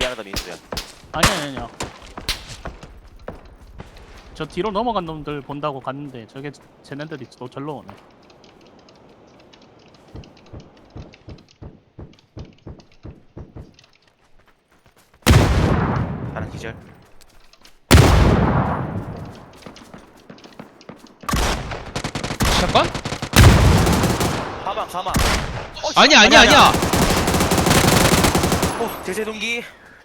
미안하다 민수야. 아니야. 저 뒤로 넘어간 놈들 본다고 갔는데 저게 쟤네들이 또 절로 오네. 하나 기절. 잠깐? 가방. 아니야. 제재 동기.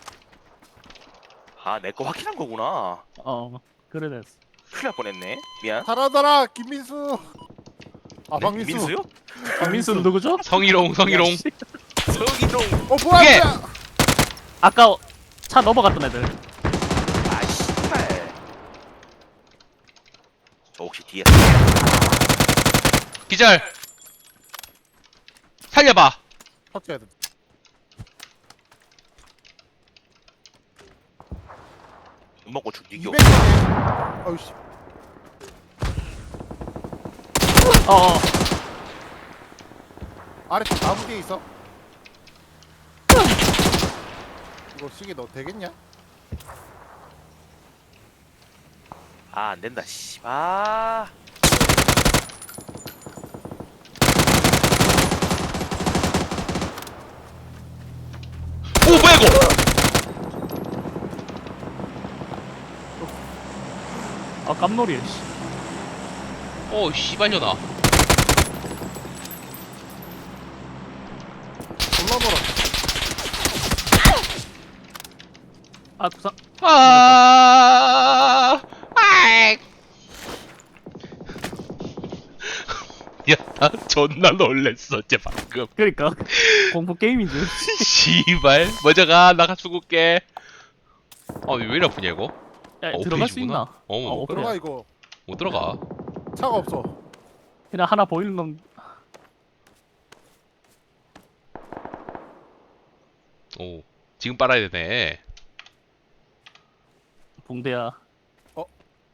아, 내 거 확인한 거구나. 그래 됐어. 큰일 날 뻔했네. 미안. 살아더라 김민수. 아 네? 박민수. 민수요? 민수는 누구죠? 성희롱. 야, 씨. 서기동. 뭐야 그게! 뭐야. 아까 차 넘어갔던 애들. 아, 씨발. 저 혹시 뒤에 기절. 살려봐. 터쳐야 돼. 눈 먹고 죽이겨. 200개. 어이씨. 아래쪽 나무 뒤에 있어. 이거 시계 너 되겠냐? 아, 안 된다. 씨. 아. 오 뭐야 이거? 깜놀이야. 씨. 오 씨발려나. 졸라 멀어. 구상. 아이. 야, 나 존나 놀랬어, 쟤 방금. 그러니까 공포 게임인 줄. 씨발, 먼저 가, 나가 죽을게. 왜 이리 아프냐 이거? 야, 어, 들어갈 수 오페이지구나. 있나? 못 그래. 들어가 이거. 못 들어가. 차가 없어. 그냥 하나 보이는 놈. 오, 지금 빨아야 되네. 붕대야.